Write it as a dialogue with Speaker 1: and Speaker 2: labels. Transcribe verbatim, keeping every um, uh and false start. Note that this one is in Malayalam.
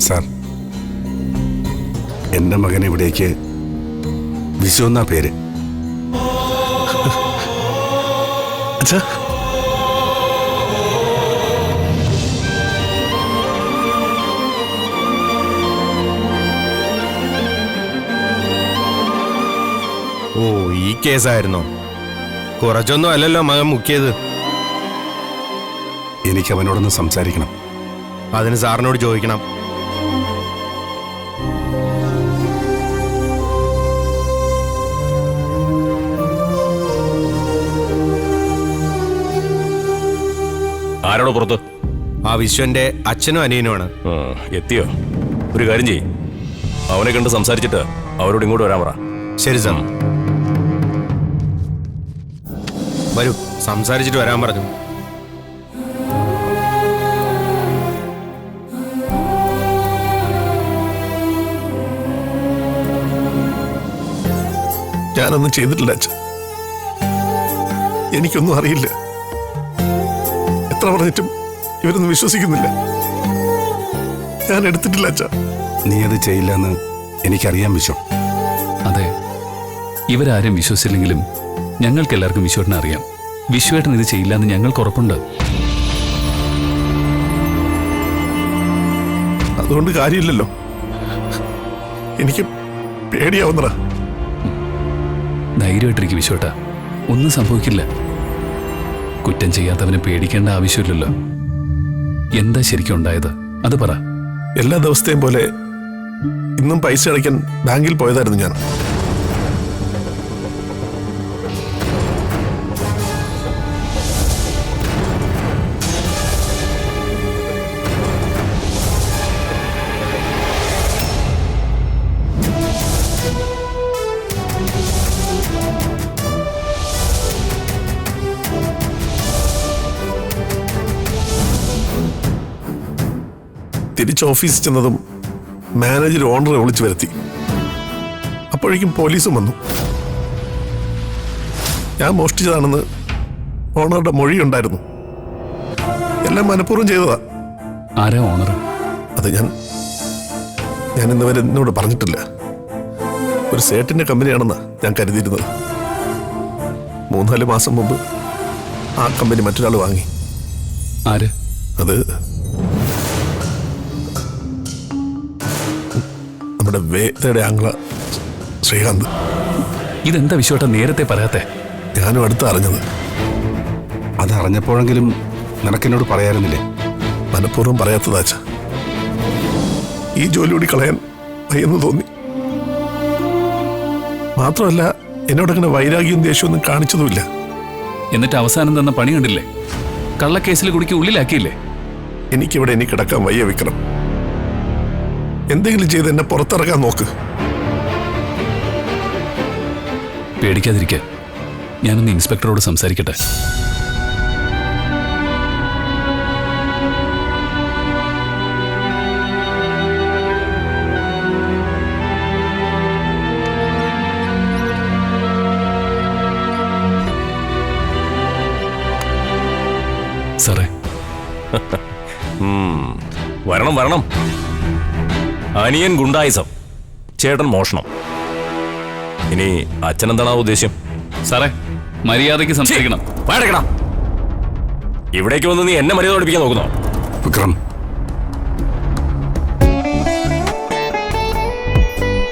Speaker 1: സാർ, എൻ്റെ മകൻ ഇവിടേക്ക് വിശു എന്നാ പേര്.
Speaker 2: അച്ഛാ,
Speaker 3: ഓ, ഈ കേസായിരുന്നോ? കുറച്ചൊന്നും അല്ലല്ലോ മകൻ മുക്കിയത്.
Speaker 1: എനിക്ക് അവനോടൊന്ന് സംസാരിക്കണം.
Speaker 3: അതിന് സാറിനോട് ചോദിക്കണം.
Speaker 4: ആരോടോ പുറത്ത്?
Speaker 3: ആ വിശ്വന്റെ അച്ഛനും അനിയനുമാണ്.
Speaker 4: എത്തിയോ? ഒരു കാര്യം ചെയ്യ്, അവനെ കണ്ട് സംസാരിച്ചിട്ട് അവരോട് ഇങ്ങോട്ട് വരാൻ പറ.
Speaker 3: ശരി സാർ. വരൂ, സംസാരിച്ചിട്ട് വരാൻ പറഞ്ഞു.
Speaker 2: ഞാനൊന്നും ചെയ്തിട്ടില്ല അച്ഛ. എനിക്കൊന്നും അറിയില്ല. എത്ര പറഞ്ഞിട്ടും ഇവരൊന്നും വിശ്വസിക്കുന്നില്ല. ഞാൻ എടുത്തിട്ടില്ല അച്ഛ.
Speaker 1: നീ അത് ചെയ്യില്ലെന്ന് എനിക്കറിയാം വിശ്വ.
Speaker 5: അതെ, ഇവരാരും വിശ്വസിച്ചില്ലെങ്കിലും ഞങ്ങൾക്ക് എല്ലാവർക്കും വിശ്വേട്ടനെ അറിയാം. വിശ്വേട്ടൻ ഇത് ചെയ്യില്ലെന്ന് ഞങ്ങൾക്ക് ഉറപ്പുണ്ട്.
Speaker 2: അതുകൊണ്ട് കാര്യമില്ലല്ലോ. എനിക്ക് പേടിയാവുന്നടാ.
Speaker 5: ധൈര്യമായിട്ടിരിക്കും വിശ്വേട്ട, ഒന്നും സംഭവിക്കില്ല. കുറ്റം ചെയ്യാത്തവനെ പേടിക്കേണ്ട ആവശ്യമില്ലല്ലോ. എന്താ ശരിക്കും ഉണ്ടായത് അത് പറ.
Speaker 2: എല്ലാ ദിവസത്തെയും പോലെ ഇന്നും പൈസ അടയ്ക്കാൻ ബാങ്കിൽ പോയതായിരുന്നു ഞാൻ. തിരിച്ച് ഓഫീസിൽ ചെന്നതും മാനേജർ ഓണറെ വിളിച്ചു വരുത്തി. അപ്പോഴേക്കും പോലീസും വന്നു. ഞാൻ മോഷ്ടിച്ചതാണെന്ന് ഓണറുടെ മൊഴിയുണ്ടായിരുന്നു. എല്ലാം മനഃപൂർവ്വം ചെയ്തതാ.
Speaker 5: ആരാ ഓണർ?
Speaker 2: അത് ഞാൻ ഞാൻ ഇന്നുവരെ എന്നോട് പറഞ്ഞിട്ടില്ല. ഒരു സേട്ടിന്റെ കമ്പനിയാണെന്നാ ഞാൻ കരുതിയിരുന്നത്. മൂന്നാല് മാസം മുമ്പ് ആ കമ്പനി മറ്റൊരാൾ വാങ്ങി.
Speaker 5: ആര്?
Speaker 2: അത് നമ്മുടെ വേദയുടെ ആംഗ്ല ശ്രീകാന്ത്.
Speaker 5: ഇതെന്താ വിശ്വേട്ട നേരത്തെ പറയാത്തെ?
Speaker 2: ഞാനും അടുത്ത് അറിഞ്ഞത്.
Speaker 1: അതറിഞ്ഞപ്പോഴെങ്കിലും നിനക്കെന്നോട് പറയാറുന്നില്ലേ?
Speaker 2: മനഃപൂർവ്വം പറയാത്തതാച്ച. ഈ ജോലി കൂടി കളയാൻ വയ്യെന്ന് തോന്നി. മാത്രമല്ല, എന്നോടങ്ങനെ വൈരാഗ്യവും ദേഷ്യമൊന്നും കാണിച്ചതുമില്ല.
Speaker 5: എന്നിട്ട് അവസാനം തന്ന പണി കണ്ടില്ലേ? കള്ളക്കേസിൽ കുടുക്കി ഉള്ളിലാക്കിയില്ലേ?
Speaker 2: എനിക്കിവിടെ ഇനി കിടക്കാൻ വയ്യ വിക്രം. എന്തെങ്കിലും ചെയ്ത് എന്നെ പുറത്തിറക്കാൻ നോക്ക്.
Speaker 5: പേടിക്കാതിരിക്കുക. ഞാനൊന്ന് ഇൻസ്പെക്ടറോട് സംസാരിക്കട്ടെ. സാറേ,
Speaker 4: വരണം വരണം. അനിയൻ ഗുണ്ടായിസം, ചേട്ടൻ മോഷണം. ഇനി അച്ഛനെന്താണ് ആ ഉദ്ദേശ്യം?
Speaker 5: സാറേ, മര്യാദയ്ക്ക് സംസാരിക്കണം.
Speaker 4: വേടക്കണം. ഇവിടേക്ക് വന്ന് നീ എന്നെ മര്യാദ പഠിപ്പിക്കാൻ നോക്കുന്നോ?
Speaker 1: വിക്രം,